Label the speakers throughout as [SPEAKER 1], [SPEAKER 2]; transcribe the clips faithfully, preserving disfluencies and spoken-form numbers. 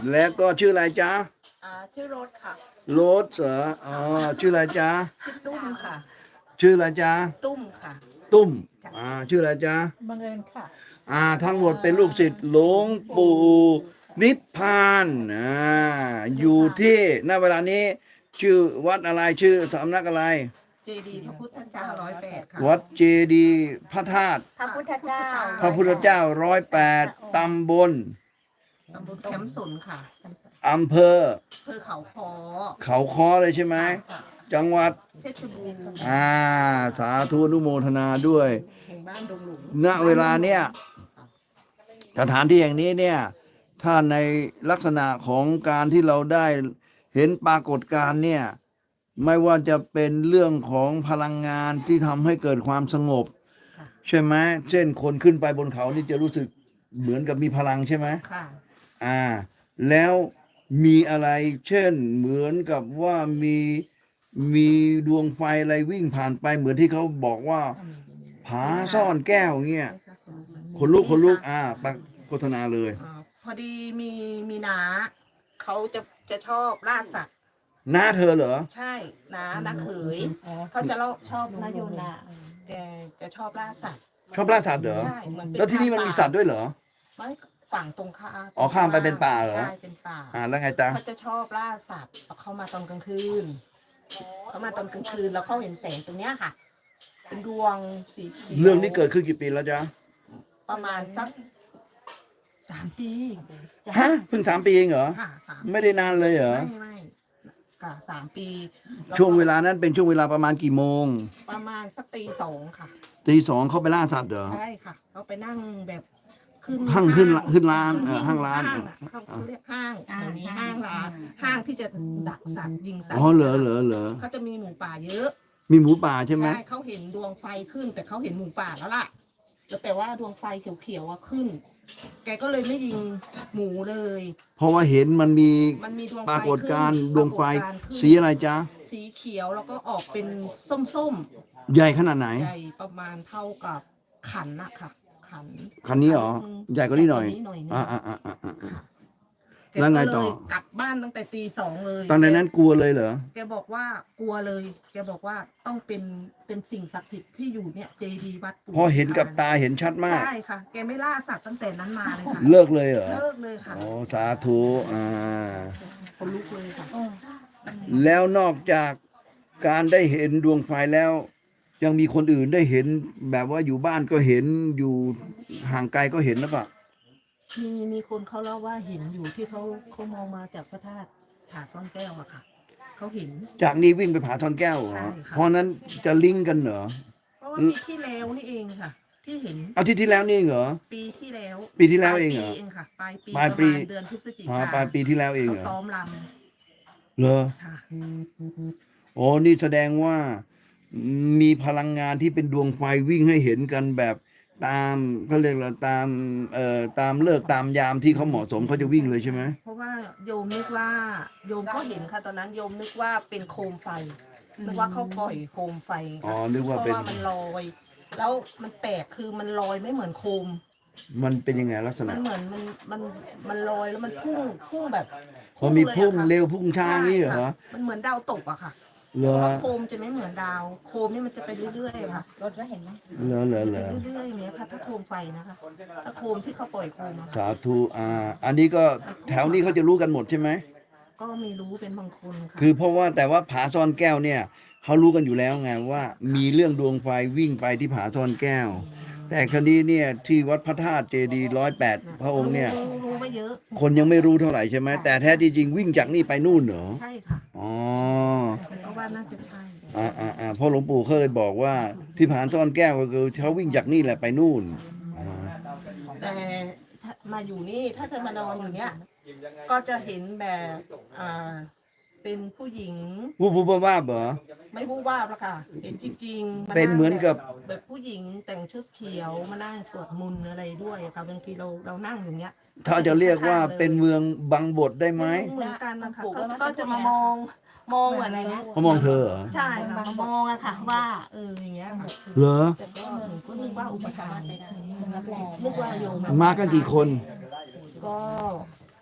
[SPEAKER 1] แล้วก็ชื่ออะไรจ๊ะ
[SPEAKER 2] อ่าชื่อโรสค่ะ
[SPEAKER 1] โรสเหรออ๋อชื่ออะไรจ๊ะ
[SPEAKER 2] ชื่อตุ้มค่ะ
[SPEAKER 1] ชื่ออะไรจ๊ะ
[SPEAKER 2] ตุ้มค่ะ
[SPEAKER 1] ตุ้มอ่าชื่ออะไรจ๊ะ
[SPEAKER 2] บังเอิญค่ะ
[SPEAKER 1] อ่าทั้งหมดเป็นลูกศิษย์หลวงปู่นิพพานอ่าอยู่ที่ณเวลานี้ชื่อวัดอะไรชื่อสำนักอะไร
[SPEAKER 2] เจดีย์พระพุทธเจ้าร้อยแปดค่ะ
[SPEAKER 1] วัดเจดีย์พระธาตุ
[SPEAKER 2] พระพุทธเจ้า
[SPEAKER 1] พระพุทธเจ้าร้อยแปดตำบล
[SPEAKER 2] ตำบลแคมป์สนค่ะ
[SPEAKER 1] อำเภอ
[SPEAKER 2] อำเภอเขาคอ
[SPEAKER 1] เขาค้อเลยใช่ไหม
[SPEAKER 2] ค่ะ
[SPEAKER 1] จังหวัด
[SPEAKER 2] เพชรบูรณ์
[SPEAKER 1] อ่าสาธุอนุโมทนาด้วย
[SPEAKER 2] แห่งบ้านดงหลุม
[SPEAKER 1] ณเวลาเนี้ยสถานที่แห่งนี้เนี่ยถ้าในลักษณะของการที่เราได้เห็นปรากฏการณ์เนี่ยไม่ว่าจะเป็นเรื่องของพลังงานที่ทำให้เกิดความสงบใช่ไหมเช่นคนขึ้นไปบนเขานี่จะรู้สึกเหมือนกับมีพลังใช่ไหม
[SPEAKER 2] ค่ะ
[SPEAKER 1] อ่าแล้วมีอะไรเช่นเหมือนกับว่ามีมีดวงไฟอะไรวิ่งผ่านไปเหมือนที่เขาบอกว่าผาซ่อนแก้วเงี้ยคนลุกคนลุกอ่าปักโฆษณาเลย
[SPEAKER 2] อ่าพอดีมีมีน้าเขาจะจะชอบล่าสัตว์
[SPEAKER 1] หน้าเธอเหรอ
[SPEAKER 2] ใช่น้าน้าเขยเขาจะเล่าชอบนาโยนาแกจะชอบล่าสัตว์
[SPEAKER 1] ชอบล่าสัตว์เหรอ
[SPEAKER 2] ใช่เหมือนเป็น
[SPEAKER 1] แล้วที่นี่มันมีสัตว์ด้วยเหรอ
[SPEAKER 2] ไม่ฝั่งตรงข้าม
[SPEAKER 1] อ๋อข้ามไปเป็นป่าเหรอ
[SPEAKER 2] ใช่เป็นป่า
[SPEAKER 1] อ่าแล้วไงจ๊ะ
[SPEAKER 2] เขาจะชอบล่าสัตว์เขามาตอนกลางคืนเขามาตอนกลางคืนแล้วเขาเห็นแสงตรงเนี้ยค่ะ เป็นดวงสีเขียว
[SPEAKER 1] เรื่องนี้เกิดขึ้นกี่ปีแล้วจ๊ะ
[SPEAKER 2] ประมาณสักสามปี
[SPEAKER 1] ฮะเพิ่งสามปีเองเหรอ
[SPEAKER 2] ค่ะสาม
[SPEAKER 1] ไม่ได้นานเลยเหรอ
[SPEAKER 2] ไม่ไม่ค่ะสามปีแ
[SPEAKER 1] ช่วงเวลานั้นเป็นช่วงเวลาประมาณกี่โมง
[SPEAKER 2] ประมาณสักตีสองค่ะ
[SPEAKER 1] ตีสองเขาไปล่าสัตว์เหรอ
[SPEAKER 2] ใช่ค่ะเขาไปนั่งแบบขึ้น
[SPEAKER 1] ห้างขึ้นขึ้นร้านเออห้างร้าน
[SPEAKER 2] เขาเรียกห้างแถวนี้ห้างร้านห้างที่จะดักสัตว์ยิงสัตว์
[SPEAKER 1] อ๋อเหรอเหรอเหรอ
[SPEAKER 2] เขาจะมีหมูป่าเยอะ
[SPEAKER 1] มีหมูป่าใช่ไหม
[SPEAKER 2] ใช่เขาเห็นดวงไฟขึ้นแต่เขาเห็นหมูป่าแล้วล่ะแต่ว่าดวงไฟเขียวๆอะขึ้น แกก็เลยไม่ยิงหมูเลย
[SPEAKER 1] เพราะว่าเห็นมันมี
[SPEAKER 2] มันมีดวง
[SPEAKER 1] ปรากฏการณ์ด
[SPEAKER 2] ด
[SPEAKER 1] วงไฟสีอะไรจ๊ะ
[SPEAKER 2] สีเขียวแล้วก็ออกเป็นส้ม
[SPEAKER 1] ๆใหญ่ขนาดไหน
[SPEAKER 2] ใหญ่ประมาณเท่ากับขันนะค่ะขัน
[SPEAKER 1] คันนี้เหรอใหญ่กว่านี้หน่อย
[SPEAKER 2] อ่า
[SPEAKER 1] อ่าอ่าอ่าอ่า
[SPEAKER 2] แ
[SPEAKER 1] ล้วไงต่อ
[SPEAKER 2] กลับบ้านตั้งแต่ตีสองเลย
[SPEAKER 1] ตอนนั้นกลัวเลยเหรอ
[SPEAKER 2] แกบอกว่ากลัวเลย แกบอกว่าต้องเป็นเป็นสิ่งศักดิ์สิทธิ์ที่อยู่เนี่ยเจดีย์วัดปู่
[SPEAKER 1] พอเห็นกับตาเห็นชัดมาก
[SPEAKER 2] ใช่ค่ะแกไม่ล่าสัตว์ตั้งแต่นั้นมาเลยค่ะ
[SPEAKER 1] เลิกเลยเหรอ
[SPEAKER 2] เลิกเลยค่ะ
[SPEAKER 1] โอ้สาธุอ่า
[SPEAKER 2] คนลุกเลยค่ะ
[SPEAKER 1] แล้วนอกจากการได้เห็นดวงไฟแล้ว ยังมีคนอื่นได้เห็นแบบว่าอยู่บ้านก็เห็นอยู่ห่างไกลก็เห็นหรือเปล่า
[SPEAKER 2] มีมีคนเขาเล่าว่าเห็นอยู่ที่เขาเขามองมาจากพระธาตุผาซ่อนแก้วอะค่ะเขาเห็น
[SPEAKER 1] จากนี้วิ่งไปผาทอนแก้วเหรอเพราะนั้นจะลิงก์กันเหรอ
[SPEAKER 2] เพราะว่าปีที่แล้วนี่เองค่ะ ที่เห็น
[SPEAKER 1] เอาที่ที่แล้วนี่เหรอ
[SPEAKER 2] ปีที่แล้ว
[SPEAKER 1] ปีที่แล้วเองเหรอ
[SPEAKER 2] เองค่ะปลายปี
[SPEAKER 1] ปลายปี
[SPEAKER 2] เดือนพฤศจิ
[SPEAKER 1] กายนปลายปีที่แล้วเองเหรอ
[SPEAKER 2] เขาซ้อมล
[SPEAKER 1] ำเหรอโอ้นี่แสดงว่ามีพลังงานที่เป็นดวงไฟวิ่งให้เห็นกันแบบตามเขาเรียกว่าตามเอ่อตามเลิกตามยามที่เขาเหมาะสมเขาจะวิ่งเลยใช่ไหม
[SPEAKER 2] เพราะว่าโยมนึกว่าโยมก็เห็นค่ะตอนนั้นโยมนึกว่าเป็นโคมไฟนึกว่าเขาปล่อยโคมไฟ
[SPEAKER 1] อ๋อนึกว่าเป็น
[SPEAKER 2] เพราะว่ามันลอยแล้วมันแปลกคือมันลอยไม่เหมือนโคม
[SPEAKER 1] มันเป็นยังไงลักษณะ
[SPEAKER 2] มันเหมือนมันมันมันลอยแล้วมันพุ่งพุ่งแบบ
[SPEAKER 1] มันมีพุ่งเร็วพุ่งช้านี่เหรอ
[SPEAKER 2] มันเหมือนดาวตกอะค่ะ
[SPEAKER 1] เหรอ
[SPEAKER 2] โคมจะไม่เหมือนดาวโคมนี่มันจะไปเรื่อยๆค่ะรถก็เห็นไหม
[SPEAKER 1] เหรอเหรอเหรอ
[SPEAKER 2] เรื่อยๆอย่างเงี้ยค่ะถ้าโคมไฟนะคะถ้าโคมที่เขาปล่อยโคม
[SPEAKER 1] สาธุอ่าอันนี้ก็แถวนี้เขาจะรู้กันหมดใช่ไหม
[SPEAKER 2] ก็ไม่รู้เป็นบางคนค่ะ
[SPEAKER 1] คือเพราะว่าแต่ว่าผาซ่อนแก้วเนี่ยเขารู้กันอยู่แล้วไงว่ามีเรื่องดวงไฟวิ่งไปที่ผาซ่อนแก้วแต่คดีเนี่ยที่วัดพระธาตุเจดีย์ร้อยแปดพระองค์เนี่ย
[SPEAKER 2] รู้ไม่เยอะ
[SPEAKER 1] คนยังไม่รู้เท่าไหร่ใช่ไหมแต่แท้ที่จริงวิ่งจากนี่ไปนู่นเหรอ
[SPEAKER 2] ใช่ค่ะ
[SPEAKER 1] อ๋อ
[SPEAKER 2] เพราะว่าน่าจะใช่
[SPEAKER 1] อ่าอ่าอ่าเพราะหลวงปู่เคยบอกว่าที่ผาซ่อนแก้วก็คือเขาวิ่งจากนี่แหละไปนู่น
[SPEAKER 2] แต่มาอยู่นี่ถ้าจะมานอนอยู่เนี้ยก็จะเห็นแบบอ่าเป็นผู้หญิง
[SPEAKER 1] วูบวูบว่าบเหรอ
[SPEAKER 2] ไม่วูบวาบละค่ะเห็นจริงๆ
[SPEAKER 1] เป็นเหมือนกับ
[SPEAKER 2] แบบผู้หญิงแต่งชุดเขียวมานั่งสวดมนต์อะไรด้วยค่ะบางทีเราเรานั่งอย่างเงี้ย
[SPEAKER 1] ถ้าจะเรียกว่าเป็นเมืองบังบทได้ไหม
[SPEAKER 2] เหมือนกันนะคะก็จะมามองมองอะไรนะ
[SPEAKER 1] เขามองเธอเหรอ
[SPEAKER 2] ใช่ค่ะมามองอะค่ะว่าเอออย่างเงี้ยค่ะ
[SPEAKER 1] เหรอ
[SPEAKER 2] แต่ก็หนูก็นึกว่าอุปทานนึกว่าโยม
[SPEAKER 1] มากันกี่คน
[SPEAKER 2] ก็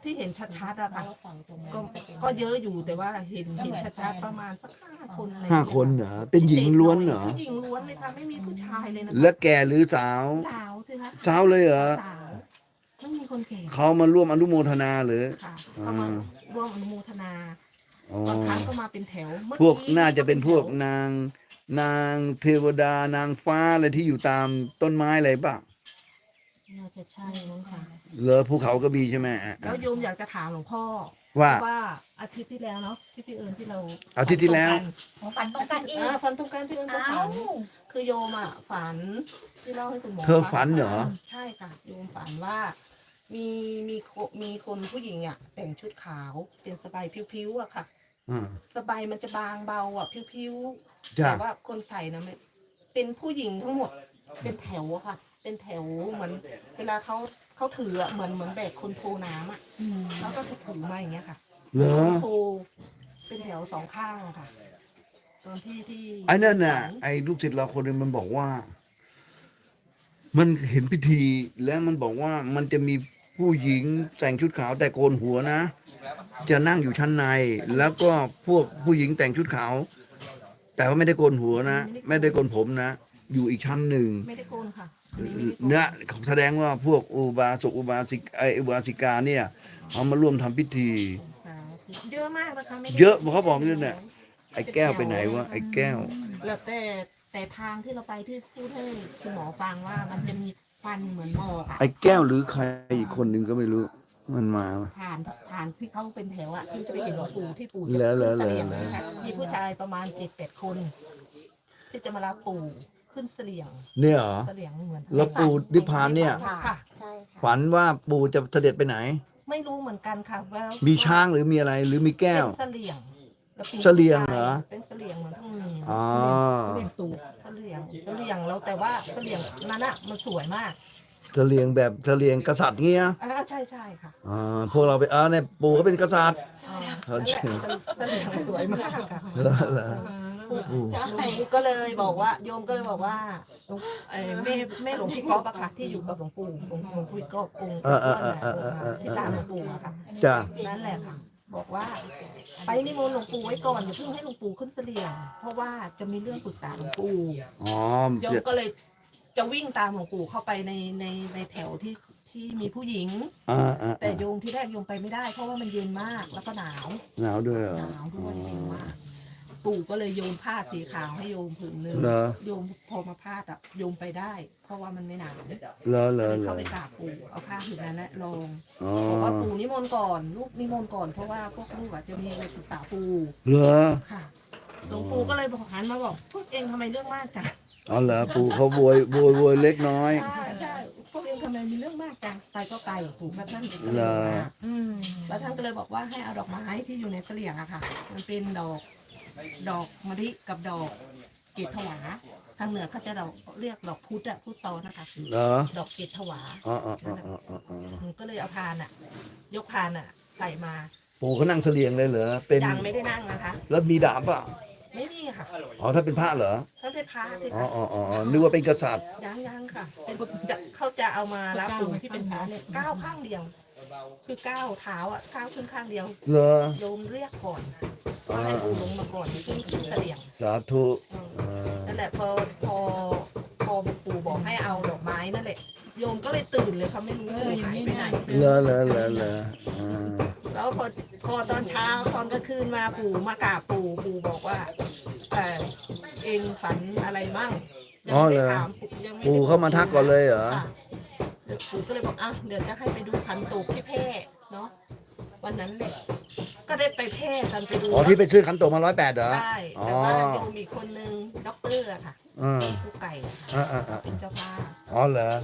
[SPEAKER 2] ที่เห็นชัดๆอะค่ะ
[SPEAKER 3] ฝั่งตรงนั้น
[SPEAKER 2] ก็
[SPEAKER 3] จะเป็น
[SPEAKER 2] ก็เยอะอยู่แต่ว่าเห็นเห็นชัดๆประมาณสักห้าคนอะไร
[SPEAKER 1] ห้าคนเหรอเป็นหญิงล้วนเหรอ
[SPEAKER 2] ผู้หญิงล้วนเลยค่ะไม่มีผู้ชายเลยนะ
[SPEAKER 1] และแก่หรือสาว
[SPEAKER 2] สาวสิคะ
[SPEAKER 1] สาวเลยเหรอ
[SPEAKER 2] สาวไม่มีคนแก่
[SPEAKER 1] เขามาร่วมอนุโมทนาหรือ
[SPEAKER 2] ค่ะเขามาร่วมอนุโมทนา
[SPEAKER 1] อ๋อบ
[SPEAKER 2] างครั้งก็มาเป็นแถวเมื่อ
[SPEAKER 1] พวก
[SPEAKER 2] กี้
[SPEAKER 1] น่าจะเป็นพวก
[SPEAKER 2] แถ
[SPEAKER 1] นางนางเทวดานางฟ้าอะไรที่อยู่ตามต้นไม้อะไรป่ะ
[SPEAKER 2] น่าจะใช่มั้งค่ะ
[SPEAKER 1] เหรอภูเขาก็มีใช่ไหมอ่ะ
[SPEAKER 2] แล้วโยมอยากจะถามหลวงพ่อ
[SPEAKER 1] ว่า
[SPEAKER 2] เพระว่าอาทิตย์ที่แล้วเนาะที่พี่เอิญที่เรา
[SPEAKER 1] อาทิตย์ที่แล้ว
[SPEAKER 3] ของฝันตรงกันอีก
[SPEAKER 2] อ่าฝันตรงกันพี่เอิญก็
[SPEAKER 3] เอ้า
[SPEAKER 2] ฝันคือโยมอ่ะฝันที่เล่าให้คุณหมอ
[SPEAKER 1] เธอ
[SPEAKER 2] ฟัง
[SPEAKER 1] ฝันเหรอ
[SPEAKER 2] ใช่ค่ะโยมฝันว่า มีมีโคมีคนผู้หญิงอ่ะแต่งชุดขาวเป็นสบายผิวๆอ่ะค่ะ
[SPEAKER 1] อ่า
[SPEAKER 2] สบายมันจะบางเบาอ่ะผิวๆ
[SPEAKER 1] จ้ะ
[SPEAKER 2] แต่ว่าคนใส่นะไม่เป็นผู้หญิงทั้งหมด เป็นแถวอะค่ะ เป็นแถวเหมือน เวลาเขาเขาถืออะเหมือนเหมือนแบกคนโทน้ำอะ
[SPEAKER 3] อืม
[SPEAKER 2] แล้วก็จะถือมาอย่างเงี้ยค่ะ
[SPEAKER 1] เหรอ
[SPEAKER 2] โทเป็นแถวสองข้างอะค่ะตอนที่ที่
[SPEAKER 1] ไอ้นั่นน่ะ
[SPEAKER 2] ฝั
[SPEAKER 1] ไอ้ลูกศิษย์เราคนหนึงมันบอกว่า มันเห็นพิธีแล้วมันบอกว่ามันจะมีผู้หญิงแต่งชุดขาวแต่โกนหัวนะ จะนั่งอยู่ชั้นใน แล้วก็พวกผู้หญิงแต่งชุดขาว แต่ว่าไม่ได้โกนหัวนะไม่ได้โกนผมนะ อยู่อีกชั้นหนึ่ง
[SPEAKER 2] ไม่ได้โกนค่ะอันนี้ไม่ได้โกน
[SPEAKER 1] เนี่ยแสดงว่าพวกอุบาสกอุบาสิกไออุบาสิกาเนี่ยเขามาร่วมทำพิธี
[SPEAKER 2] เยอะมากนะคะไม่ได้
[SPEAKER 1] เยอะเขาบอกเนี่ยเนี่ย ไอ้แก้วไปไหนวะไอ้แก้ว
[SPEAKER 2] แล้วแต่แต่ทางที่เราไปที่พูดให้คุณหมอฟังว่ามันจะมีควันเหมือนหมอกอะ
[SPEAKER 1] ไอ้แก้วหรือใครอีกคนหนึ่งก็ไม่รู้ มันมา
[SPEAKER 2] ผ่านผ่านที่เขาเป็นแถวอะที่จะไปเห็นหลวงปู่ที่ปู่
[SPEAKER 1] เหร
[SPEAKER 2] จะ
[SPEAKER 1] อเหร
[SPEAKER 2] ขึ้
[SPEAKER 1] อน
[SPEAKER 2] เสลี่ยง
[SPEAKER 1] เหรอ
[SPEAKER 2] นะคะมีผู้ชายประมาณเจ็ดแปดคน ที่จะมารับปู่ขึ้นเสลี่ยง
[SPEAKER 1] เนี่ยเหรอ
[SPEAKER 2] เสลี่ยงเหมือน
[SPEAKER 1] แล้วปู่นิพพานเนี่ย
[SPEAKER 2] ค่ะ
[SPEAKER 3] ใช่ค่ะ
[SPEAKER 1] ฝันว่าปู่จะเสด็จไปไหน
[SPEAKER 2] ไม่รู้เหมือนกันค่ะว่า
[SPEAKER 1] มีช้างหรือมีอะไรหรือมีแก้ว
[SPEAKER 2] เป็นเสลี่ยงแล้วป็น
[SPEAKER 1] เสลี่ยงเหรอ
[SPEAKER 2] เป็นเสลี่ยงเหมือนทั้งมือ
[SPEAKER 1] อ๋อ
[SPEAKER 2] เสลี่ยงตูเสลี่ยงเสลี่ยงแล้วแต่ว่าเสลี่ยงนั้นอะมันสวยมาก
[SPEAKER 1] เสลียงแบบเสลียงกษัตริย์เงี้ย
[SPEAKER 2] อ่าใช่ใช่ค่ะ
[SPEAKER 1] อ่าพวกเราไปอ่าเนี่ยปู่เขาเป็นกษัตริย์
[SPEAKER 2] อ่า
[SPEAKER 1] เขา
[SPEAKER 2] นั่นแหละเสลี่ยงสวยมากค่ะ
[SPEAKER 1] เหรอเหรอ
[SPEAKER 2] ปู่ก็เลยบอกว่าโยมก็เลยบอกว่าหลวงเอ่อแม่แม่หลวงพี่ก๊อฟอะค่ะที่อยู่กับหลวงปู่หลวงหลวงพี่ก๊อฟองค์
[SPEAKER 1] เออเออเออเออเออ
[SPEAKER 2] ที่ตามหลวงปู่อะค่ะ
[SPEAKER 1] จ้ะ
[SPEAKER 2] นั่นแหละค่ะ บอกว่า ไปนิมนต์หลวงปู่ไว้ก่อนอย่าเพิ่งให้หลวงปู่ขึ้นเสลี่ยงเพราะว่าจะมีเรื่องปรึกษาหลวงปู่
[SPEAKER 1] อ๋อ
[SPEAKER 2] โยมก็เลยจะวิ่งตามหลวงปู่เข้าไปในในในแถวที่ที่มีผู้หญิง
[SPEAKER 1] อ่าอ่า
[SPEAKER 2] แต่โยมที่แรกโยมไปไม่ได้ เพราะว่ามันเย็นมากแล้วก็หนาว
[SPEAKER 1] หนาวด้วยเหรอ
[SPEAKER 2] หนาวด้วยเย็นมากปู่ก็เลยโยมผ้าสีขาวให้โยมผืนหนึง
[SPEAKER 1] เหรอ
[SPEAKER 2] โยมพอมาพาดอ่ะโยมไปได้ เพราะว่ามันไม่หนาว
[SPEAKER 1] เหรอเหร
[SPEAKER 2] ก็
[SPEAKER 1] อ
[SPEAKER 2] เลย
[SPEAKER 1] เหร
[SPEAKER 2] เข้า
[SPEAKER 1] อ
[SPEAKER 2] ไปกราบปู่เอาผ้าผืนนั้นแหละลง
[SPEAKER 1] อ๋อ
[SPEAKER 2] บอกว่าปู่นิมนต์ก่อนลูกนิมนต์ก่อนเพราะว่าพวกลูกอ่ะจะมีอะไรปรึกษาปู่
[SPEAKER 1] เหรอ
[SPEAKER 2] ค่ะหลวงปู่ก็เลยบอกหันมาบอกพวกเองทำไมเรื่องมากจัง
[SPEAKER 1] อ๋อเหรอปู่เขาโวยโวยโวยเล็กน้อย
[SPEAKER 2] ใช่ใช่พวกเองทำไมมีเรื่องมากจังไปก็ไกลปู่ก็ท่านก็
[SPEAKER 1] เหร
[SPEAKER 2] เลย
[SPEAKER 1] อ
[SPEAKER 2] มา
[SPEAKER 3] อืม
[SPEAKER 2] แล้วท่านก็เลยบอกว่าให้เอาดอกไม้ที่อยู่ในเสลี่ยงอะค่ะ มันเป็นดอก ดอกมะลิกับดอกเกศถวา ทางเหนือเขาจะดอกเรียกดอกพุธอะพุธซ้อนนะคะ
[SPEAKER 1] เหรอ
[SPEAKER 2] ดอกเกศถวา
[SPEAKER 1] อ๋ออ๋ออ๋ออ๋ออ๋ออ๋อ
[SPEAKER 2] หนูก็เลยเอาพานอะยกพานอะใส่มา
[SPEAKER 1] ปู่เขานั่งเสลียงเลยเหรอเป็น
[SPEAKER 2] ยังไม่ได้นั่งนะคะ
[SPEAKER 1] แล้วมีดาบเปล่ะ
[SPEAKER 2] ไม่มีค่ะ
[SPEAKER 1] อ๋อถ้าเป็นพระเหรอ
[SPEAKER 2] เขาได้พาสิ
[SPEAKER 1] อ๋อ
[SPEAKER 2] คะ
[SPEAKER 1] อ๋ออ๋ออ๋อนึกว่าเป็นกษัตริย์
[SPEAKER 2] ยังยังค่ะ เป็นเขาจะเอามารับปู่ที่เป็นพระเนี่ยก้าวข้างเดียว คือก้าวเท้าอะก้าวขึ้นข้างเดียว
[SPEAKER 1] เหรอ
[SPEAKER 2] โยมเรียกก่อนว่าให้ปู่ลงมาก่อนขึ้นขึ้นเสลี่ยง
[SPEAKER 1] สาธุ
[SPEAKER 2] เออ
[SPEAKER 1] เออ
[SPEAKER 2] นั่นแหละพอพอพอปู่บอกให้เอาดอกไม้นั่นแหละโยมก็เลยตื่นเลยเขาไม่รู้ปู่หายไปไหน
[SPEAKER 1] เหรอเหรอเหรอเหรออ่า
[SPEAKER 2] แล้วพอพอตอนเช้าตอนกลางคืนมาปู่มากราบปู่ปู่บอกว่าเออเองฝันอะไรมั่งยัง
[SPEAKER 1] อ๋อ
[SPEAKER 2] ไม่
[SPEAKER 1] เหร
[SPEAKER 2] ได้
[SPEAKER 1] อ
[SPEAKER 2] ถามยังไม่ได้
[SPEAKER 1] ปู่เข้ามาทักก่อนเลยเหรอ
[SPEAKER 2] ค่ะเดี๋ยวปู่ก็เลยบอกอ่ะเดี๋ยวจะให้ไปดูขันโตกที่แพร่เนาะวันนั้นแหละก็ได้ไปแพร่กันไปดู
[SPEAKER 1] อ๋อที่ไปซื้อขันโตกมาร้อยแปดเหรอ
[SPEAKER 2] ใช่
[SPEAKER 1] อ๋อ
[SPEAKER 2] แต่ว่าโยมอีกคนนึงด็อกเตอร์อะค่ะ
[SPEAKER 1] อ่า
[SPEAKER 2] ผู้ไก่อะค่ะ
[SPEAKER 1] อ่าอ่าอ่า
[SPEAKER 2] เป็นเจ้าภาพ
[SPEAKER 1] อ๋อเหรอ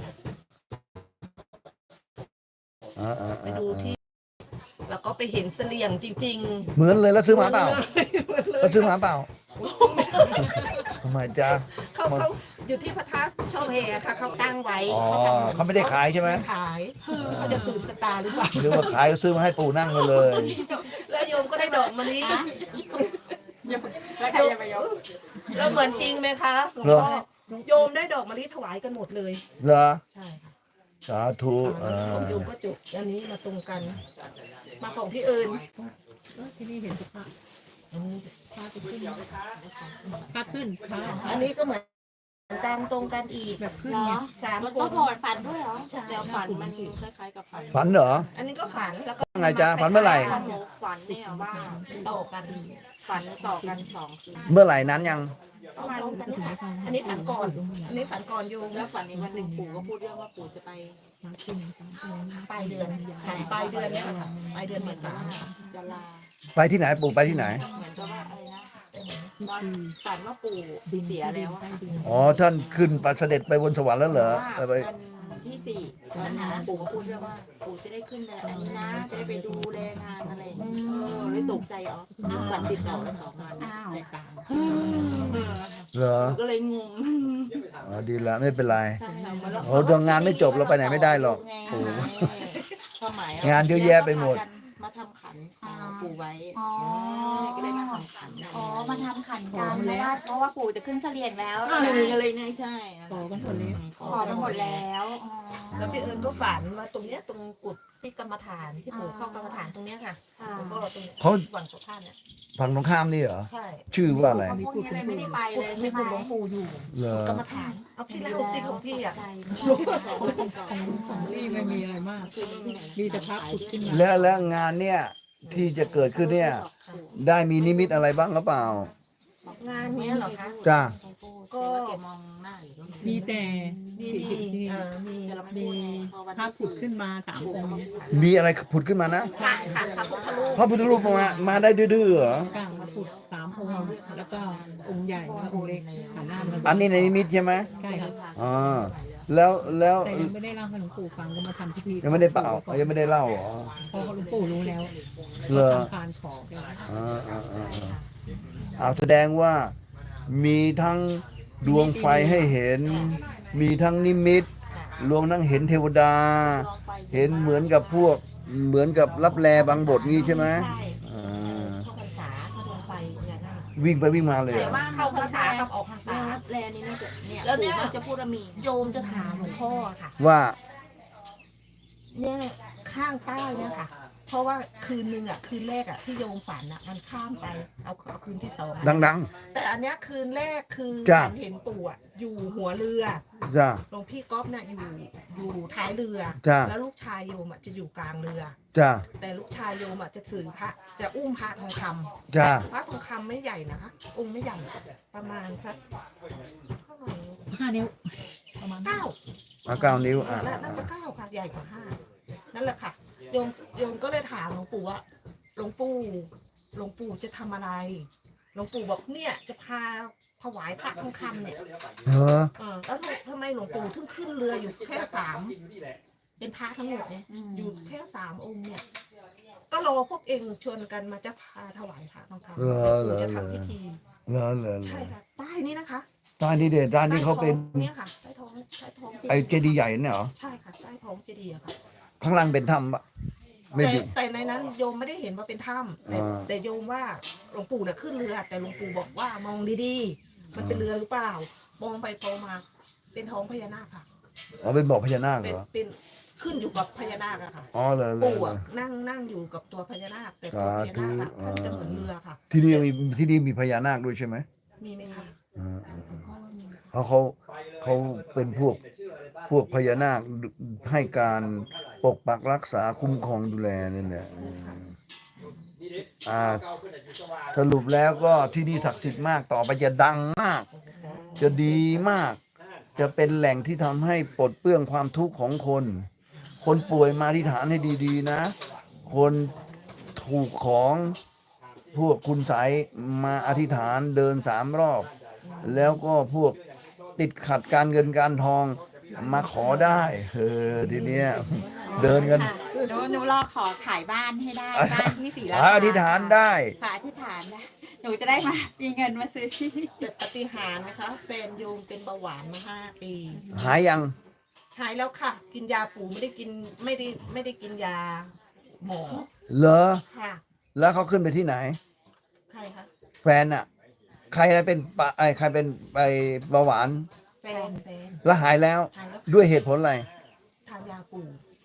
[SPEAKER 1] อ่าอ่า
[SPEAKER 2] ไป
[SPEAKER 1] อ่า
[SPEAKER 2] ดูที่ แล้วก็ไปเห็นเสลี่ยงจริงๆ
[SPEAKER 1] เหมือนเลยแล้วซื้อมาเปล่า
[SPEAKER 2] เหมือนเลย
[SPEAKER 1] แล้วซื้อมาเปล่าทำไมจ๊ะ
[SPEAKER 2] เขาเขาอยู่ที่พระธาตุช่องแพค่ะเขาตั้งไว้
[SPEAKER 1] อ๋อ
[SPEAKER 2] ทำ
[SPEAKER 1] เขาไม่ได้ขายใช่ไหม
[SPEAKER 2] ขายเขาจะสืบสตาร์หรือเปล่า
[SPEAKER 1] หรือว่าขายก็ซื้อมาให้ปู่นั่งมาเลย
[SPEAKER 2] แล้วโยมก็ได้ดอกมะลิ
[SPEAKER 3] แล้วใครจะไปยก
[SPEAKER 2] แล้วเหมือนจริงไหมคะหลวง
[SPEAKER 1] เหรอ
[SPEAKER 2] พ่อโยมได้ดอกมะลิถวายกันหมดเลย
[SPEAKER 1] เหรอ
[SPEAKER 2] ใช่ค่ะ
[SPEAKER 1] สาธุเอ
[SPEAKER 2] ของ
[SPEAKER 1] อ
[SPEAKER 2] โยมก็จบอันนี้มาตรงกันมาของที่อื่น
[SPEAKER 4] ที่นี่เห็นสภาพพาไปขึ้นพาขึ้นพา
[SPEAKER 2] อันนี้ก็เหมือนกันตรงกันอีก
[SPEAKER 4] แบบขึ้น
[SPEAKER 3] เนา
[SPEAKER 4] ไง
[SPEAKER 3] ะ
[SPEAKER 2] สาม
[SPEAKER 3] มัน
[SPEAKER 2] ค
[SPEAKER 3] ก็
[SPEAKER 2] น
[SPEAKER 3] พอฝันด้วยเหรอแล้วฝันมันคล้ายๆกับฝัน
[SPEAKER 1] ฝันเหรอ
[SPEAKER 2] อันนี้ก็ฝันแล้วก็
[SPEAKER 1] ไงจ๊ะฝันเมื่อไหร่
[SPEAKER 3] ของหนูฝันเนี่ยว่า
[SPEAKER 2] ต่อกัน
[SPEAKER 3] ฝันต่อกันสองคืน
[SPEAKER 1] เมื่อไหร่นั้นยัง
[SPEAKER 2] ประมาณอันนี้ฝันก่อน อันนี้ฝันก่อนโยม
[SPEAKER 3] แล้วฝันในวันหนึ่งปู่ก็พูดเรื่องว่าปู่จะไป
[SPEAKER 2] ปลายเดือนค่ะปลายเดือนเนี้ยค่ะปลายเดือนเมษา
[SPEAKER 3] จะลา
[SPEAKER 1] ไปที่ไหนปู่ไปที่ไหน
[SPEAKER 3] เหมือนกับว่าอะไรนะตอนฝันว่าปู่เสียแล้วอะค่ะ
[SPEAKER 1] อ๋อท่านขึ้นไปเสด็จไปบนสวรรค์แล้วเหรอ
[SPEAKER 3] ว่า
[SPEAKER 1] เออไป
[SPEAKER 3] วันที่สี่ตอนนั้นปู่ก็พูดเรื่องว่าปู่จะได้ขึ้นแบบนี้นะจะได้ไปดูแลงานอะไรอย่างเงี้ยเออเลยตกใจอ๋อฝันติดต่อแล้วสองวัน
[SPEAKER 2] อ้าว
[SPEAKER 1] เหรอ
[SPEAKER 3] ก็เลยงง
[SPEAKER 1] อ๋อดีละไม่เป็นไร
[SPEAKER 3] ใช่ค่ะเหมือนเรา
[SPEAKER 1] โอ้ดวงงานไม่จบเราไปไหนไม่ได้หรอก
[SPEAKER 3] ปู่ความหมาย
[SPEAKER 1] งานเยอะแยะไปหมด
[SPEAKER 3] มาทำขันปู่ไว้
[SPEAKER 5] อ๋อ
[SPEAKER 3] ก็เลยมาทำขัน
[SPEAKER 5] อ๋อ มาทำขันกันเพราะว่าเพราะว่าปู่จะขึ้นเสลียงแล้ว
[SPEAKER 3] เอออะไรเนี่ยใช่
[SPEAKER 4] ขอกันคนเล็ก
[SPEAKER 5] ขอกันหมดแล้วอ๋อ
[SPEAKER 2] แล้วพี่เอิญก็ฝันว่าตรงเนี้ยตรงกุฏที่กรรมฐานที่ปู่เข้ากรรมฐานตรงเนี้ยค่ะ
[SPEAKER 5] ค่ะ
[SPEAKER 2] แล้วก็ตรง
[SPEAKER 1] เขา
[SPEAKER 2] ฝั่งตรงข้ามเนี่ย
[SPEAKER 1] ฝั่งตรงข้ามนี่เหรอ
[SPEAKER 2] ใช่
[SPEAKER 1] ชื่อว่าอะไร
[SPEAKER 3] พวกนี้เลยไม่ได้ไปเลย
[SPEAKER 2] มี
[SPEAKER 3] ใช่ไหม
[SPEAKER 2] คุณหลวงปู่อยู่
[SPEAKER 1] เหรอก
[SPEAKER 2] รรมฐานเอาพี่เล่าสิของพี่อ่ะ
[SPEAKER 4] ของนี่ไม่มีอะไรมาก มีแต่พระผุดขึ้นมา
[SPEAKER 1] แล้วแล้วงานเนี่ยที่จะเกิดขึ้นเนี่ย ได้มีนิมิตอะไรบ้างหรือเปล่า
[SPEAKER 2] งานเนี้ยเหรอคะ
[SPEAKER 1] จ้า
[SPEAKER 3] ก็แกมองหน้าอยู่
[SPEAKER 4] มีแต่
[SPEAKER 2] มี
[SPEAKER 4] ที่
[SPEAKER 2] มี
[SPEAKER 4] ที่
[SPEAKER 2] เอ่อมี
[SPEAKER 3] แต่เราไม่
[SPEAKER 4] มี
[SPEAKER 3] พูดไงพอวัน
[SPEAKER 4] พระ
[SPEAKER 3] ที่
[SPEAKER 4] ผุดขึ้นมาสามองค์
[SPEAKER 1] มีอะไรผุดขึ้นมานะ
[SPEAKER 2] ค่ะค่ะพระพุทธรูป
[SPEAKER 1] พระพุทธรูปมามาได้ดื้อๆเหรอ
[SPEAKER 4] กลางพระผุดสามองค์แล้วก็องค์ใหญ่และองค์เล็กหันหน้ามา
[SPEAKER 1] อันนี้ในนิมิตใช่ไหม
[SPEAKER 4] ใช่ครับ
[SPEAKER 1] อ่าแล้วแล้ว
[SPEAKER 4] แต่ยังไม่ได้เล่าให้หลวงปู่ฟังก็มาทำพิธี
[SPEAKER 1] ยังไม่ได้เป่ายังไม่ได้เล่าเหรอ
[SPEAKER 4] เพราะหลวงปู่รู้แล้ว
[SPEAKER 1] เหรอ
[SPEAKER 4] ทำการขอไปแล้ว
[SPEAKER 1] อ่าอ่าอ่าอ่าเอาแสดงว่ามีทั้งดวงไฟให้เห็น มีทั้งนิมิต รวมทั้งเห็นเทวดา เห็นเหมือนกับพวกเหมือนกับรับแลบางบทนี้ใช่ไหม
[SPEAKER 2] ใช่
[SPEAKER 1] อ่า
[SPEAKER 2] เข้าพรรษาเข้าดวงไฟเนี่ยนะ
[SPEAKER 1] วิ่งไปวิ่งมาเลยเหร
[SPEAKER 3] แต่
[SPEAKER 1] อ
[SPEAKER 3] ว่า
[SPEAKER 2] เข้าพรรษากับออกพรรษา
[SPEAKER 3] แลนี้น่าจะเนี่ย
[SPEAKER 2] แล้วเนี่ย
[SPEAKER 3] ปู่ก็จะพูดว่ามี
[SPEAKER 2] โยมจะถามหลวงพ่อค่ะ
[SPEAKER 1] ว่า
[SPEAKER 2] เนี่ยข้างใต้เนี่ยค่ะ เพราะว่าคืนนึงอ่ะคืนแรกอ่ะที่โยมฝันอ่ะมันข้ามไปเอาเอาคืนที่สองอะ
[SPEAKER 1] ดัง
[SPEAKER 2] แต่อันเนี้ยคืนแรกคือ
[SPEAKER 1] จ้ะ
[SPEAKER 2] ฝันเห็นปู่อ่ะอยู่หัวเรือ
[SPEAKER 1] ๆจ้า
[SPEAKER 2] หลวงพี่ก๊อฟน่ะอยู่อยู่ท้ายเรือ
[SPEAKER 1] จ้ะ
[SPEAKER 2] แล้วลูกชายโยมอ่ะจะอยู่กลางเรือ
[SPEAKER 1] จ้า
[SPEAKER 2] แต่ลูกชายโยมอ่ะจะถือพระจะอุ้มพระทองคำ
[SPEAKER 1] จ้า
[SPEAKER 2] พระทองคำไม่ใหญ่นะคะ องค์ไม่ใหญ่ประมาณสักเท่าไหร่
[SPEAKER 4] ห้านิ้วประมาณ
[SPEAKER 2] เก้า
[SPEAKER 1] เอาเก้านิ้วอ่า
[SPEAKER 2] น่าน่าจะเก้าค่ะใหญ่กว่าห้านั่นแหละค่ะโยมโยมก็เลยถามหลวงปู่ว่าหลวงปู่หลวงปู่จะทำอะไรหลวงปู่บอกเนี่ยจะพาถวายพระทองคำเนี่ย
[SPEAKER 1] เหรอ
[SPEAKER 2] เออแล้วทำไมหลวงปู่ถึงขึ้นเรืออยู่แค่สามเป็นพระทั้งหมดเนี่ยอยู่แค่สามองค์เนี่ย ก็รอพวกเองชวนกันมาจะพาถวายพระทองคำ
[SPEAKER 1] เหรอเหรอ
[SPEAKER 2] จะ
[SPEAKER 1] เหรอ
[SPEAKER 2] ทำพิธี
[SPEAKER 1] เหรอเหรอเหร
[SPEAKER 2] ใช่
[SPEAKER 1] อ
[SPEAKER 2] ค่ะใต้นี้นะคะ
[SPEAKER 1] ตานี่เด็ดตานี่เขาเป็น
[SPEAKER 2] ใต้ท้องเนี่ยค่ะใต้ท้องใต้ท้อง
[SPEAKER 1] ไอเจดีย์ใหญ่เนี่ยเหรอ
[SPEAKER 2] ใช่ค่ะใต้ท้องเจดีย์อะค่ะ
[SPEAKER 1] ข้างล่างเป็นถ้ำปะไม่
[SPEAKER 2] แต่
[SPEAKER 1] ดิ
[SPEAKER 2] แต่ในนั้นโยมไม่ได้เห็นว่าเป็นถ้ำแต่
[SPEAKER 1] อ่า
[SPEAKER 2] แต่โยมว่าหลวงปู่เนี่ยขึ้นเรือ แต่หลวงปู่บอกว่ามองดีๆ มันเป็นเรือหรือเปล่า มองไปมองมาเป็นท้องพญานาคค่ะ
[SPEAKER 1] อ๋อเป็นบอกพญานาค
[SPEAKER 2] เป็
[SPEAKER 1] เห
[SPEAKER 2] น
[SPEAKER 1] รอ
[SPEAKER 2] เป็นขึ้นอยู่กับพญานาคอะค่ะ
[SPEAKER 1] อ๋อเหรอเหรอ
[SPEAKER 2] ปู่
[SPEAKER 1] เหรอ
[SPEAKER 2] อะนั่งนั่งอยู่กับตัวพญานาคแต่ตัวพญานาคอะ
[SPEAKER 1] สาธุ
[SPEAKER 2] ท่านจะเหมือนเรือค่ะ
[SPEAKER 1] ที่นี่มีที่นี่มีพญานาคด้วยใช่ไหม
[SPEAKER 2] มีไหมคะ
[SPEAKER 1] อ่าเพราะเขาเขาเป็นพวกพวกพญานาคให้การปกปักรักษาคุ้มครองดูแลนี่แหละอืมอ่าสรุปแล้วก็ที่นี่ศักดิ์สิทธิ์มากต่อไปจะดังมาก จะดีมาก จะเป็นแหล่งที่ทำให้ปลดเปลื้องความทุกข์ของคน คนป่วยมาที่ฐานให้ดีๆนะ คนถูกของพวกคุณใสยมาอธิษฐานเดินสามรอบ แล้วก็พวกติดขัดการเงินการทองมาขอได้เออทีเนี้ยเดินกัน
[SPEAKER 5] หนูหนูรอขอขายบ้านให้ได้ บ้านที่ศรีรา
[SPEAKER 1] อ่า
[SPEAKER 5] ชา
[SPEAKER 1] อธิษฐานได้
[SPEAKER 5] ค่ะอธิษฐานนะหนูจะได้มามีเงินมาซื้อที่
[SPEAKER 2] แต่ปฏิหารย์นะคะแฟนโยมเป็นเบาหวานมาห้าปี
[SPEAKER 1] หายยัง
[SPEAKER 2] หายแล้วค่ะ กินยาปู่ไม่ได้กินไม่ได้ไม่ได้กินยาหมอ
[SPEAKER 1] เหรอ
[SPEAKER 2] ค่ะ
[SPEAKER 1] แล้วเขาขึ้นไปที่ไหน
[SPEAKER 2] ใครคะ
[SPEAKER 1] แฟนอะใครเป็นปะไอใครเป็นไปเบาหวาน
[SPEAKER 2] แฟนแฟน
[SPEAKER 1] แล้วหายแล้ว
[SPEAKER 2] หายแล้ว
[SPEAKER 1] ด้วยเหตุผลอะไร
[SPEAKER 2] ทานยาปู่
[SPEAKER 1] อ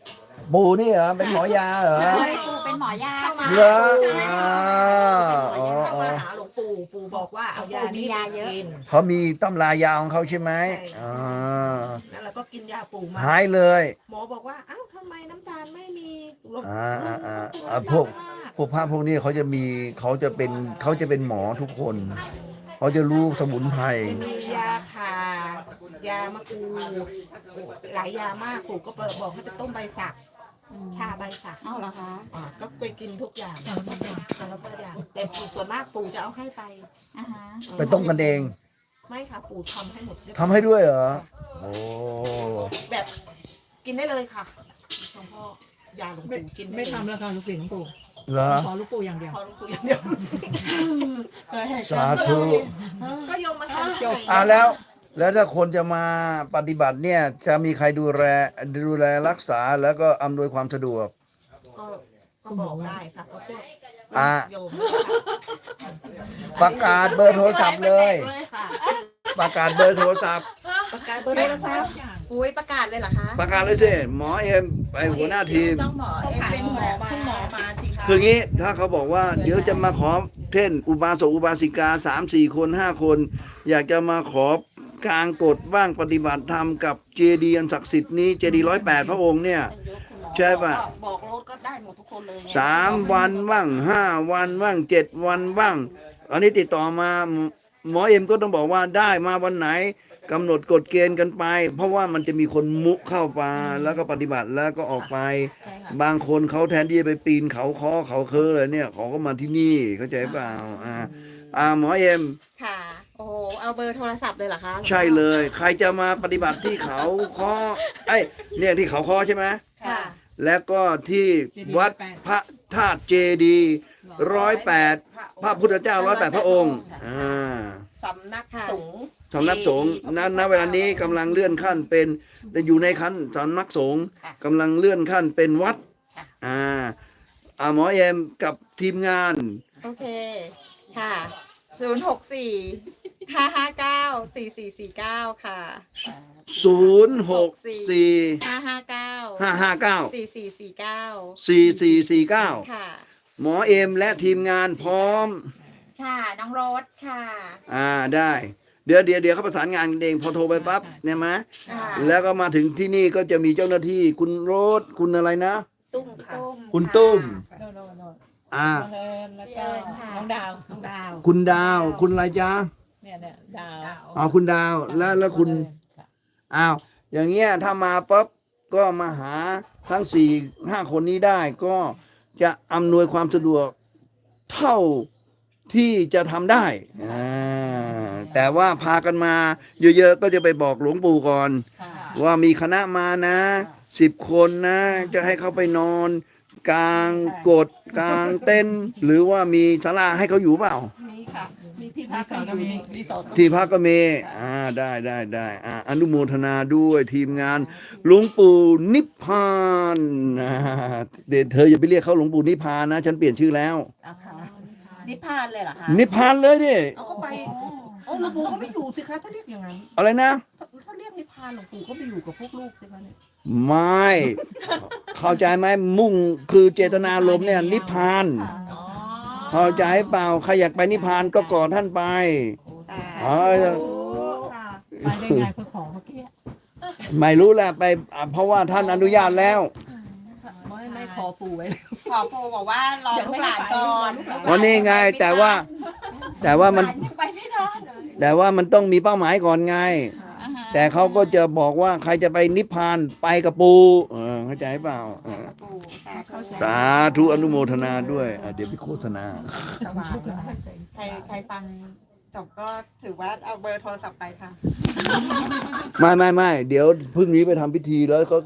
[SPEAKER 1] ปู่นี่เหรอเป็นหมอยาเหรอ
[SPEAKER 5] เฮ้ยปู่เป็นหมอยา
[SPEAKER 2] เข้ามา
[SPEAKER 1] เหรอ
[SPEAKER 2] เข้า
[SPEAKER 1] อ๋ออ๋อ
[SPEAKER 2] มาหาหลวงปู่ปู่บอกว่าเอายานี้ไปกิน
[SPEAKER 1] เขามีตำรายาของเขาใช่ไหม
[SPEAKER 2] ใช่
[SPEAKER 1] อ่า
[SPEAKER 2] แล้วเราก็กินยาปู่มา
[SPEAKER 1] หายเลย
[SPEAKER 2] หมอบอกว่าอ้าวทำไมน้ำตาลไม่มีลด
[SPEAKER 1] อ่าอ่าอ่า
[SPEAKER 2] ลด
[SPEAKER 1] อ่า
[SPEAKER 2] ลด
[SPEAKER 1] พวก
[SPEAKER 2] มาก
[SPEAKER 1] พวกพระพวกนี้เขาจะมีเขาจะเป็นเขาจะเป็นหมอทุกคน เขาจะรู้สมุนไพร
[SPEAKER 2] มียาขายามะกรูดหลายยามากปู่ก็บอกให้ไปต้มใบสักชาใบสัก
[SPEAKER 5] เอ้าเหรอคะ
[SPEAKER 2] อ่าก็ไปกินทุกอย่างแต่ละอย่างแต่ละอย่างแต่ปู่ส่วนมากปู่จะเอาให้ไป
[SPEAKER 5] อ่าฮะ
[SPEAKER 1] ไปต้มกันเอง
[SPEAKER 2] ไม่ค่ะปู่ทำให้หมดเรียบร้อย
[SPEAKER 1] ทำให้ด้วยเหรอโอ้
[SPEAKER 2] แบบกินได้เลยค่ะหลวงพ่อยาหลวง
[SPEAKER 4] ไม่
[SPEAKER 2] ปู่กินด้
[SPEAKER 4] ไม่
[SPEAKER 2] เลย
[SPEAKER 4] ทำแล้วค่ะลูกศิษย์หลวงปู่
[SPEAKER 1] เหรอ
[SPEAKER 4] ขอลูกปู่อย่างเดียว
[SPEAKER 2] พอหลวงปู่อย่างเดียว
[SPEAKER 1] สาธุ
[SPEAKER 2] ก็โยมมาทำ
[SPEAKER 4] จบ
[SPEAKER 1] อ่าแล้ว แล้วถ้าคนจะมาปฏิบัติเนี่ย จะมีใครดูแลดูแลรักษาแล้วก็อำนวยความสะดวก
[SPEAKER 2] ก็ก็บอกได้ค่ะก็พวก
[SPEAKER 1] อ่า
[SPEAKER 2] โยม
[SPEAKER 1] ประกาศเบอร์โทรศัพท์เลย
[SPEAKER 2] ค่ะ
[SPEAKER 1] ประกาศเบอร์โทรศัพท์
[SPEAKER 2] ประกาศเบอร์โทรศัพท์
[SPEAKER 5] อุ้ยประกาศเลยเหรอคะ
[SPEAKER 1] ประกาศเลยสิหมอเอ็มไปหัวหน้าทีม
[SPEAKER 3] ต้องหมอเอ็มเป็นหมอคุณหมอมาสิคะ
[SPEAKER 1] คืองี้ถ้าเขาบอกว่าเดี๋ยวจะมาขอเช่นอุบาสกอุบาสิกาสามสี่คนห้าคน อยากจะมาขอกลางกฎบ้างปฏิบัติธรรมกับเจดีย์อันศักดิ์สิทธิ์นี้เจดีร้อยแปดพระองค์เนี่ย ใช่ปะ
[SPEAKER 2] บอกรถก็ได้หมดทุกคนเลยไง
[SPEAKER 1] สามวันบ้างห้าวันบ้างเจ็ดวันบ้างอันนี้ติดต่อมาหมอเอ็มก็ต้องบอกว่าได้มาวันไหนกำหนดกฎเกณฑ์กันไป เพราะว่ามันจะมีคนมุเข้ามาแล้วก็ปฏิบัติแล้วก็ออกไป
[SPEAKER 3] ใช่ค่ะ
[SPEAKER 1] บางคนเขาแทนที่จะไปปีนเขาคอเขาเคอเลยเนี่ยเขาก็มาที่นี่เข้าใจเปล่าอ่าอ่าหมอเอ็ม
[SPEAKER 5] ค่ะ โอ้โห เอาเบอร์โทรศัพท์เลยเหรอคะ
[SPEAKER 1] ใช่เลย ใครจะมาปฏิบัติที่เขาคอไอ้ยเนี่ยที่เขาคอใช่ไหม
[SPEAKER 5] ค่ะ
[SPEAKER 1] แล้วก็ที่วัดพระธาตุเจดีร้อยแปดพระพุทธเจ้าร้อยแปดพระองค์อ่า
[SPEAKER 2] สำนักสงฆ์
[SPEAKER 1] สำนักสงฆ์ณณเวลานี้กำลังเลื่อนขั้นเป็นอยู่ในขั้นสำนักสงฆ์กำลังเลื่อนขั้นเป็นวัดอ่าอ่าหมอเอ็มกับทีมงาน
[SPEAKER 5] โอเค ค่ะ ศูนย์หกสี่ ห้าห้าเก้า สี่สี่สี่เก้า ค่ะ
[SPEAKER 1] ศูนย์หกสี่
[SPEAKER 5] ห้าห้าเก้า
[SPEAKER 1] ห้าห้าเก้า
[SPEAKER 5] สี่สี่สี่เก้า
[SPEAKER 1] สี่สี่สี่เก้า
[SPEAKER 5] ค่ะ
[SPEAKER 1] หมอเอ็มและทีมงานพร้อม
[SPEAKER 5] ค่ะ น้องโรสค่ะ
[SPEAKER 1] อ่าได้ เดี๋ยวเดี๋ยวเดี๋ยวเขาประสานงานกันเองพอโทรไปปั๊บเนี่ยไหม
[SPEAKER 5] ค่ะ
[SPEAKER 1] แล้วก็มาถึงที่นี่ก็จะมีเจ้าหน้าที่คุณโรสคุณอะไรนะ
[SPEAKER 2] ตุ้มค่ะ
[SPEAKER 1] คุณตุ้ม
[SPEAKER 4] โน่นโน่นโน่น
[SPEAKER 1] อ่า
[SPEAKER 4] น้องเอิญแล้วก็น้องดาว
[SPEAKER 2] น้องดาว
[SPEAKER 1] คุณดาว คุณอะไรจ๊ะ
[SPEAKER 4] เนี่ยเนี่ยดาว
[SPEAKER 1] อ๋อคุณดาวแล้วแล้วคุณอ้าวอย่างเงี้ยถ้ามาปั๊บก็มาหาทั้งสี่ห้าคนนี้ได้ก็จะอำนวยความสะดวกเท่าที่จะทำได้อ่าแต่ว่าพากันมาเยอะๆก็จะไปบอกหลวงปู่ก่อน
[SPEAKER 3] ค่ะ
[SPEAKER 1] ว่ามีคณะมานะสิบคนนะ จะให้เขาไปนอน กลางกดกลางเต้นท์หรือว่ามีศาลาให้เขาอยู่เปล่า
[SPEAKER 2] มีค่ะ มีที่พักก็มีรีสอร์ท
[SPEAKER 1] ที่พักก็มีอ่าได้ได้ได้อ่าอนุโมทนาด้วยทีมงานหลวงปู่นิพพานอ่าเดี๋ยวเธออย่าไปเรียกเขาหลวงปู่นิพพานนะ ฉันเปลี่ยนชื่อแล้ว
[SPEAKER 3] เอาค่ะนิพพานเลยเหรอคะ
[SPEAKER 1] นิพพานเลยดิ
[SPEAKER 2] เอาก็ไปโอ้หลวงปู่ก็ไม่อยู่สิคะถ้าเรียกอย่างนั้น
[SPEAKER 1] อะไรนะ
[SPEAKER 2] ถ้าเรียกนิพพานหลวงปู่ก็ไปอยู่กับพวกลูกสิคะเนี่ย
[SPEAKER 1] ไม่ เข้าใจไหมมุ่งคือเจตนารมณ์เนี่ย นิพพาน
[SPEAKER 3] อ๋อ
[SPEAKER 1] เข้าใจเปล่าใครอยากไปนิพพานก็ก่อท่านไปอ๋อ
[SPEAKER 2] ค่ะ
[SPEAKER 4] ไปได้ไงเพื่อของเมื่อกี้
[SPEAKER 1] ไม่รู้แหละไปอ่ะเพราะว่าท่านอนุญาตแล้ว
[SPEAKER 2] ไม่ไม่ขอปู่ไว้
[SPEAKER 3] ขอปูบอกว่ารอลูกหลานก่อน
[SPEAKER 1] วันนี้ไงแต่ว่า แต่ว่ามัน
[SPEAKER 3] หลนยังไปไม่รอดเลย
[SPEAKER 1] แต่ว่ามันต้องมีเป้าหมายก่อนไง
[SPEAKER 3] อ่าฮะ
[SPEAKER 1] แต่เขาก็จะบอกว่าใครจะไปนิพพานไปกับปูเออเข้าใจเปล่าเออ
[SPEAKER 3] ปูสาธุ
[SPEAKER 1] สาธุอนุโมทนาด้วยอ่ะเดี๋ยวไปโฆษณา
[SPEAKER 3] สว่างแล้วใครใครฟังจบก็ถือว่าเอาเบอร์โทรศัพท์ไปค่ะ
[SPEAKER 1] ไม่ไม่ไม่เดี๋ยวพรุ่งนี้ไปทำพิธีแล้วก็